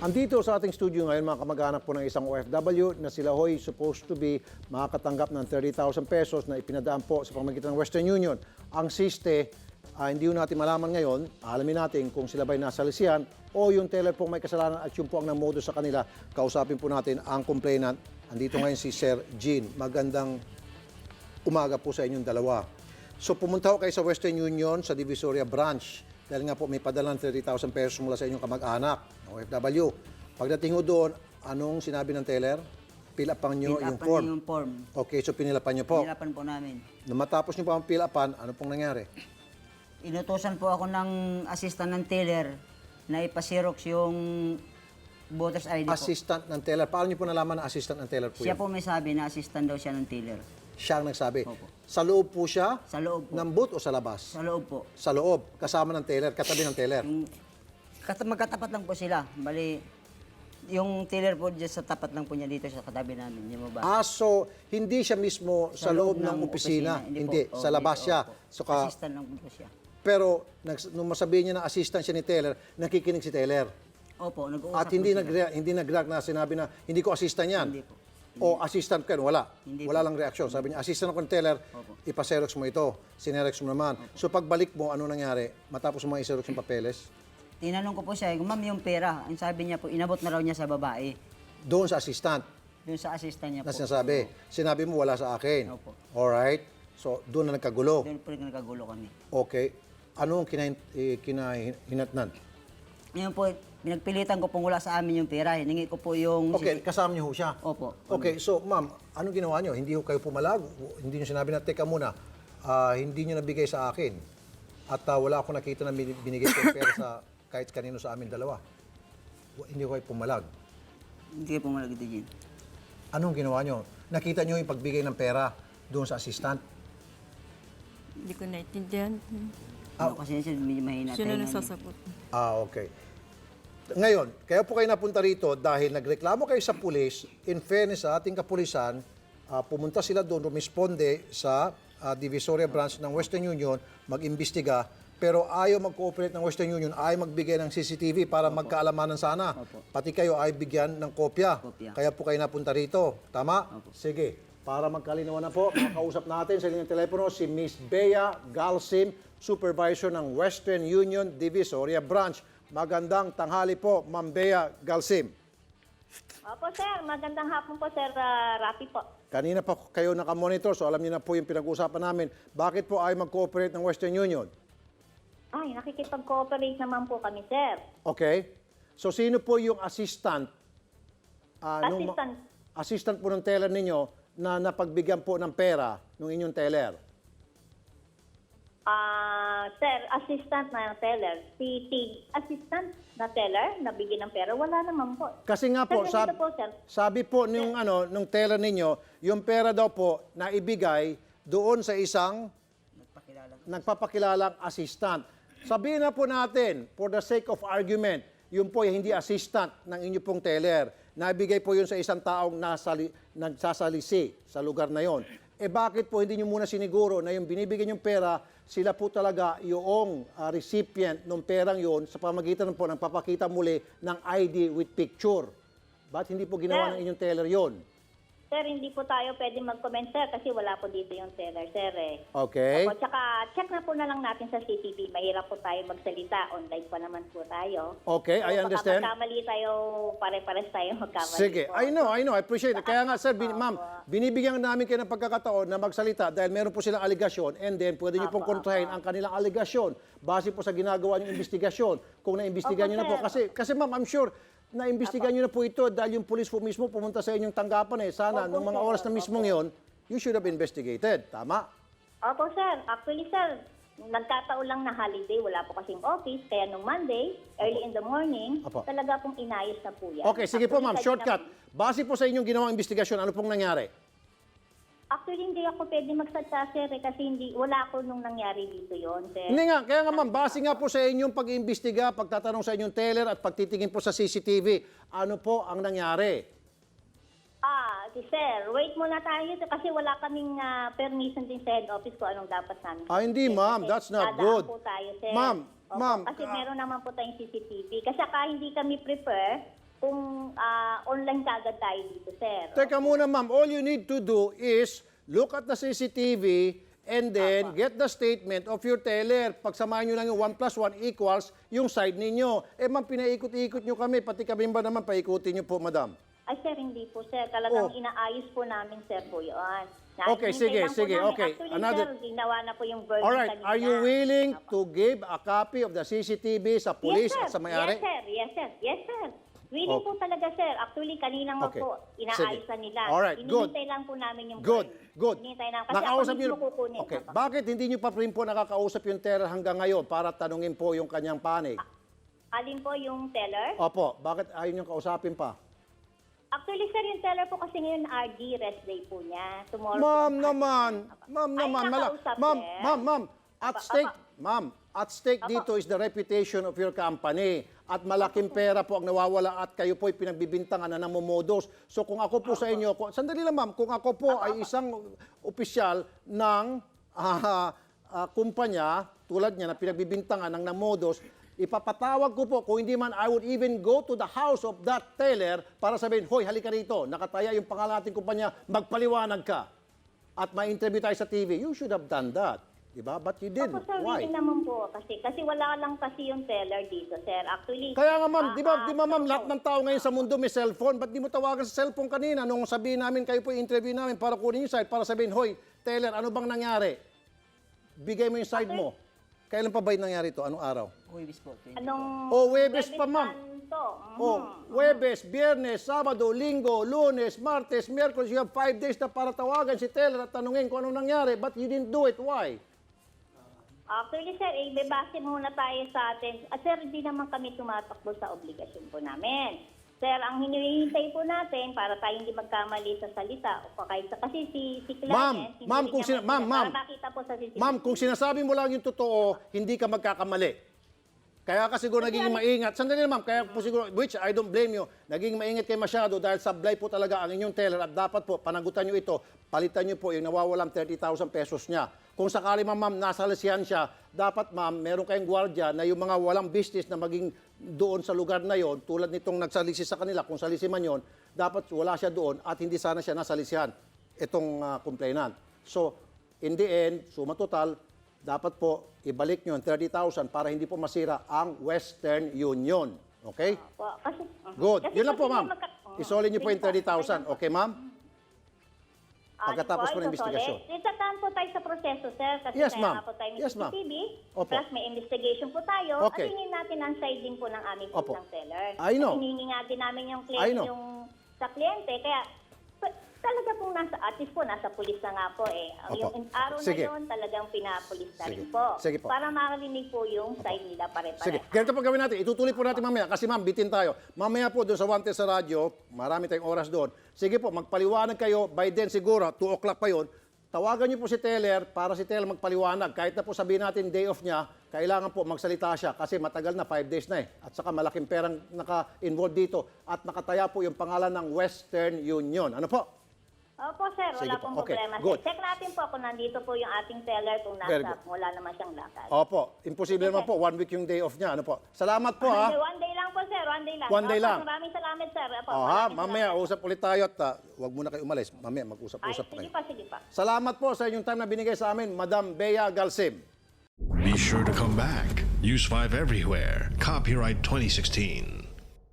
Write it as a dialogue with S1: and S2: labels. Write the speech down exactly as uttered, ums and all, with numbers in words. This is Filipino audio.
S1: Andito sa ating studio ngayon mga kamag-anak po ng isang O F W na sila ho'y supposed to be makakatanggap ng thirty thousand pesos na ipinadaan po sa pamamagitan ng Western Union. Ang siste, ah, hindi ho natin malaman ngayon, alamin natin kung sila ba'y nasalisihan o yung teller pong may kasalanan at yung po ang namodo sa kanila. Kausapin po natin ang complainant. Andito ngayon si Sir Gene. Magandang umaga po sa inyong dalawa. So pumunta ho kayo sa Western Union sa Divisoria Branch dahil nga po may padalang thirty thousand pesos mula sa inyong kamag-anak ng O F W. Pagdating ho doon, anong sinabi ng teller? Fill upan nyo yung
S2: Pinapan
S1: form.
S2: yung form.
S1: Okay, so pinilapan nyo po.
S2: Pinapan po namin.
S1: Nung matapos nyo pa ang fill upan, ano pong nangyari?
S2: Inutusan po ako ng assistant ng teller na ipasirox yung voter's I D po.
S1: Assistant ng teller. Paano nyo po nalaman na assistant ng teller po
S2: Siya
S1: yan?
S2: po may sabi na assistant daw siya ng teller.
S1: Siya ang nagsabi.
S2: Opo.
S1: Sa loob po siya?
S2: Sa loob po.
S1: Ng booth o sa labas?
S2: Sa loob po.
S1: Sa loob. Kasama ng teller, katabi ng teller.
S2: Yung, kat- magkatapat lang po sila. Bali, yung teller po dyan sa tapat lang po niya dito sa katabi namin. Yung ba?
S1: Ah, so hindi siya mismo sa, loob, ng, opisina. Hindi,
S2: po.
S1: sa
S2: Oh,
S1: labas
S2: hindi,
S1: siya.
S2: opo.
S1: So, ka,
S2: Assistant lang po siya.
S1: pero nags- nung masabihin niya na assistant siya ni teller, nakikinig si teller.
S2: Opo, nag-uusap
S1: At hindi
S2: po
S1: nag
S2: sila.
S1: hindi nag-react na sinabi na hindi ko assistant yan.
S2: Hindi po.
S1: O assistant ka, wala.
S2: Hindi
S1: wala lang reaksyon. Sabi niya, assistant ako ng teller,
S2: Opo.
S1: ipaserox mo ito. Sinerox mo naman. So pagbalik mo, ano nangyari? Matapos mo iserox yung papeles,
S2: Tinanong ko po siya, ma'am, yung pera. Ang sabi niya po, inabot na raw niya sa babae.
S1: doon sa assistant
S2: Doon sa assistant niya po.
S1: na sinasabi. Sinabi mo, wala sa akin.
S2: Opo.
S1: Alright. So doon na nagkagulo.
S2: Doon po rin nagkagulo kami.
S1: Okay. Ano ang kinahin, eh, kinahinatnan?
S2: Ngayon po, pinagpilitan ko pong wala sa amin yung pera. Hiningi ko po yung...
S1: Okay, kasama niyo ho siya.
S2: Opo.
S1: Okay, so ma'am, anong ginawa niyo? Hindi ho kayo pumalag? Hindi niyo sinabi na, teka muna, ah, hindi niyo nabigay sa akin. At ah, wala akong nakita na bin- binigay ko yung pera sa kahit kanino sa amin dalawa. Wa- Hindi ho kayo pumalag.
S2: Hindi ko pumalag ito dyan.
S1: Anong ginawa niyo? Nakita niyo yung pagbigay ng pera doon sa assistant?
S3: Hindi ko naintindihan.
S2: Ano kasi siya, medyo mahina
S3: Sino
S2: tayo nga
S3: nagsasagot?
S1: Ah, okay. Ngayon, kaya po kayo napunta rito dahil nagreklamo kayo sa pulis. In fairness sa ating kapulisan, ah, pumunta sila doon, rumisponde sa ah, Divisoria Branch ng Western Union, mag-imbestiga, pero ayaw mag-cooperate ng Western Union, ayaw magbigay ng C C T V para magkaalamanan sana.
S2: Opo.
S1: Pati kayo ay bigyan ng kopya.
S2: Kopya.
S1: Kaya po kayo napunta rito. Tama? Sige. Para magkalinawan na po, makausap natin sa linyang telepono si Miss Bea Galsim, Supervisor ng Western Union Divisoria Branch. Magandang tanghali po, Ma'am Bea Galsim.
S4: Opo, sir. Magandang hapon po, sir uh, Rafi po.
S1: Kanina pa kayo nakamonitor, so alam niyo na po yung pinag-uusapan namin. Bakit po ay mag-cooperate ng Western Union?
S4: Ay, nakikipag-cooperate naman po kami, sir.
S1: Okay. So sino po yung assistant? ah, nung ma-
S4: Assistant.
S1: assistant po ng teller ninyo na napagbigyan po ng pera ng inyong teller?
S4: Ah, sir, assistant na teller. Si T, assistant na teller, nabigyan ng pera. Wala naman po.
S1: Kasi nga po,
S4: Sir,
S1: sab-
S4: ganito po, sir.
S1: sabi po nung, ano, nung teller ninyo, yung pera daw po na ibigay doon sa isang
S2: Nagpakilala.
S1: nagpapakilalang assistant. Sabihin na po natin, for the sake of argument, yun po ay hindi assistant ng inyo pong teller. Naibigay po yun sa isang taong nasali, nagsasalisi sa lugar na yon. Eh bakit po hindi nyo muna siniguro na yung binibigyan yung pera, sila po talaga yung ah, recipient ng perang yon sa pamagitan po ng papakita muli ng I D with picture? Ba't hindi po ginawa
S4: Sir.
S1: ng inyong teller yon?
S4: Sir, hindi po tayo pwede mag-comment, sir, kasi wala po dito yung teller, sir. Eh.
S1: Okay?
S4: Opo, tsaka check na po na lang natin sa C C T V. Mahirap po tayo magsalita. Online pa naman po tayo.
S1: Okay, I
S4: So,
S1: understand.
S4: Baka magkamali tayo, pare-pares tayo magkamali
S1: Sige,
S4: po.
S1: I know, I know, I appreciate it. Kaya nga, sir, bin, ma'am, binibigyan namin kayo ng pagkakataon na magsalita dahil meron po silang aligasyon and then pwede niyo pong
S4: Apo,
S1: kontrahin ang kanilang aligasyon base po sa ginagawa niyong investigasyon. Kung naimbestigahan
S4: Opo,
S1: niyo na po.
S4: sir.
S1: Kasi, kasi ma'am, I'm sure, naimbestigahan niyo na po ito dahil yung police po mismo pumunta sa inyong tanggapan eh. Sana,
S4: Opo,
S1: nung mga
S4: sir.
S1: oras na mismong yon, you should have investigated. Tama?
S4: Opo, sir. Actually, sir, nagkataon lang na holiday. Wala po kasing office. Kaya nung Monday, early in the morning,
S1: Opo.
S4: talaga pong inayos na po yan.
S1: Okay, sige po
S4: Actually,
S1: ma'am,
S4: kanina-
S1: shortcut. Base po sa inyong ginawang investigasyon, ano pong nangyari?
S4: Actually, hindi ako pwede magsalita, sir, eh, kasi hindi, wala ako nung nangyari dito yon, sir.
S1: Hindi nga, kaya nga ma'am, base nga po sa inyong pag-iimbestiga, pagtatanong sa inyong teller at pagtitingin po sa C C T V, ano po ang nangyari?
S4: Ah, si sir, wait muna tayo kasi wala kaming ah, permission din sa head office ko anong dapat namin.
S1: Ah, hindi,
S4: Sir,
S1: ma'am.
S4: kasi
S1: That's not
S4: dadaan
S1: good.
S4: po tayo, sir.
S1: Ma'am,
S4: Opo,
S1: ma'am,
S4: Kasi
S1: ah,
S4: meron naman po tayong C C T V. Kasi saka hindi kami prepare kung ah, online kagad tayo dito, sir.
S1: Teka muna, ma'am. All you need to do is look at the C C T V and then get the statement of your teller. Pagsamahin nyo lang yung one plus one equals yung side ninyo. Eh, ma'am, pinaikot-ikot nyo kami. Pati kami ba naman, paikutin nyo po, madam.
S4: Ay, sir, hindi po, sir. Talagang
S1: Oh.
S4: inaayos po namin, sir, po yun.
S1: Okay,
S4: Hinihintay
S1: sige,
S4: lang po
S1: sige,
S4: namin.
S1: okay.
S4: Actually,
S1: Another-
S4: sir, ginawa na po yung verdict
S1: Alright,
S4: kanina.
S1: are you willing to give a copy of the C C T V sa police
S4: yes, sir.
S1: at sa may-ari?
S4: Yes, sir. Yes, sir. Yes, sir. Willing
S1: Okay.
S4: po talaga, sir. Actually, kanina nga
S1: Okay.
S4: po, inaayos na nila.
S1: Alright, good.
S4: Hinihintay lang po namin yung
S1: Good,
S4: verdict.
S1: good.
S4: Hinihintay lang. Kasi
S1: Nakausap
S4: ako mismo
S1: niyo-
S4: kukunin.
S1: Okay,
S4: Apo.
S1: bakit hindi nyo pa rin po nakakausap yung teller hanggang ngayon para tanungin po yung kanyang panig?
S4: Alin po yung teller?
S1: Opo, bakit ayaw nyo kausapin pa?
S4: Actually, sir, yung teller po kasi ngayon R D, rest day po niya. Tomorrow
S1: Ma'am
S4: po,
S1: naman,
S4: Apo.
S1: ma'am
S4: Ay,
S1: naman, mala,
S4: nakausap,
S1: ma'am,
S4: sir.
S1: ma'am, ma'am, at
S4: Apa,
S1: stake,
S4: apa.
S1: ma'am, at stake
S4: Apa.
S1: dito is the reputation of your company. At malaking pera po ang nawawala at kayo po ay pinagbibintangan na namumodus. So kung ako po sa inyo, kung, sandali lang ma'am, kung ako po ay isang opisyal ng ah, ah, kumpanya, tulad niya na pinagbibintangan ng namodus, ipapatawag ko po, kung hindi man, I would even go to the house of that teller para sabihin, hoy, halika rito, nakataya yung pangalan nating kumpanya, magpaliwanag ka. At ma-interview tayo sa T V. You should have done that. Diba? But you didn't.
S4: Opo, sir,
S1: Why?
S4: willing naman po. Kasi, kasi wala lang kasi yung teller dito, sir. Actually,
S1: Kaya nga ma'am,
S4: ah,
S1: di ba,
S4: ah,
S1: di ba ma'am,
S4: so-
S1: lahat ng tao ngayon sa mundo may cellphone. Ba't di mo tawagan sa cellphone kanina nung sabihin namin, kayo po interview namin para kunin yung side, para sabihin, hoy, teller, ano bang nangyari? Bigay mo yung side mo. Kailan pa ba yung nangyari ito? Anong araw?
S2: Huwibis po. twenty.
S4: Anong...
S1: Oh, Webes pa, ma'am.
S4: to? Mhm.
S1: Oh, Huwebes, Biyernes, Sabado, Linggo, Lunes, Martes, Miyerkules, you have five days na para tawagan si teller at tanungin kung anong nangyari. But you didn't do it. Why?
S4: Actually, sir, eh, bebase muna tayo sa atin. At sir, hindi naman kami tumatakbo sa obligasyon po namin. Sir, ang hinihintay po natin para tayo hindi magkamali sa salita o pa kahit sa kasi si si client,
S1: Ma'am,
S4: hindi
S1: ma'am,
S4: rin
S1: kung
S4: niya
S1: sina- ma'am,
S4: makita
S1: ma'am.
S4: para makita po sa C C T V.
S1: Ma'am, kung sinasabi mo lang yung totoo, hindi ka magkakamali. Kaya ka siguro naging maingat. Sandali lang, ma'am. Kaya po siguro, which I don't blame you, naging maingat kayo masyado dahil sablay po talaga ang inyong teller at dapat po, panagutan nyo ito, palitan nyo po yung nawawalang thirty thousand pesos niya. Kung sakali ma'am, ma'am, nasa lasihan siya, dapat ma'am, meron kayong gwardiya na yung mga walang business na maging doon sa lugar na yon, tulad nitong nagsalisi sa kanila, kung salisi man yon, dapat wala siya doon at hindi sana siya nasa lisihan, itong uh, complainant. So, in the end, suma total, dapat po ibalik nyo ang thirty thousand para hindi po masira ang Western Union. Okay?
S4: Po, kasi, mhm.
S1: Good.
S4: Kasi
S1: Yun lang po,
S4: kasi
S1: ma'am.
S4: magka- mhm.
S1: Isolin nyo po yung
S4: Sige
S1: thirty thousand. Okay, ma'am?
S4: Ah,
S1: Pagkatapos po ng
S4: ito,
S1: investigasyon.
S4: solid. Itataan po tayo sa proseso, sir. Kasi
S1: Yes,
S4: kaya
S1: ma'am.
S4: nga po tayo may
S1: Yes,
S4: C
S1: ma'am.
S4: C T V.
S1: Opo.
S4: Plus may investigation po tayo.
S1: Okay.
S4: At hingin natin ang side din po ng aming
S1: Opo.
S4: ng seller.
S1: I know.
S4: At hinihingi nga din namin yung,
S1: I
S4: client,
S1: know.
S4: yung sa kliyente. Kaya pa- talaga pong nasa, at least po, nasa pulis na nga po eh.
S1: Opo.
S4: Yung araw
S1: Sige.
S4: na yun, talagang pinapulis na
S1: Sige.
S4: rin po.
S1: Sige po.
S4: Para makarinig po yung side nila pare-pare.
S1: Sige, ganito po gawin natin. Itutuloy po natin mamaya kasi ma'am, bitin tayo. Mamaya po doon sa Wanted sa radyo, marami tayong oras doon. Sige po, magpaliwanag kayo. By then siguro, two o'clock pa yon. Tawagan niyo po si teller para si teller magpaliwanag. Kahit na po sabihin natin day off niya, kailangan po magsalita siya kasi matagal na, five days na eh. At saka malaking perang naka-involve dito at nakataya po yung pangalan ng Western Union. Ano po?
S4: Opo, sir. Wala
S1: Sige po.
S4: pong
S1: Okay,
S4: problema.
S1: good.
S4: Sir. Check natin po kung nandito po yung ating teller kung
S1: Very
S4: nasa,
S1: good.
S4: wala naman siyang lakad.
S1: Opo, imposible naman po. One week yung day off niya. Ano po? Salamat po ha.
S4: One day, one day lang po, sir. One day lang.
S1: One day
S4: Opo,
S1: lang.
S4: Maraming salamat, sir. Opo,
S1: Oh, ha,
S4: maraming
S1: mamaya
S4: salamat.
S1: usap ulit tayo at uh, wag muna kayo umalis. Mamaya
S4: Ay,
S1: mag-usap-usap pa
S4: sige
S1: kayo.
S4: pa, sige pa.
S1: Salamat po sa inyong time na binigay sa amin, Madam Bea Galsim.
S5: Be sure to come back. Use five everywhere. Copyright twenty sixteen.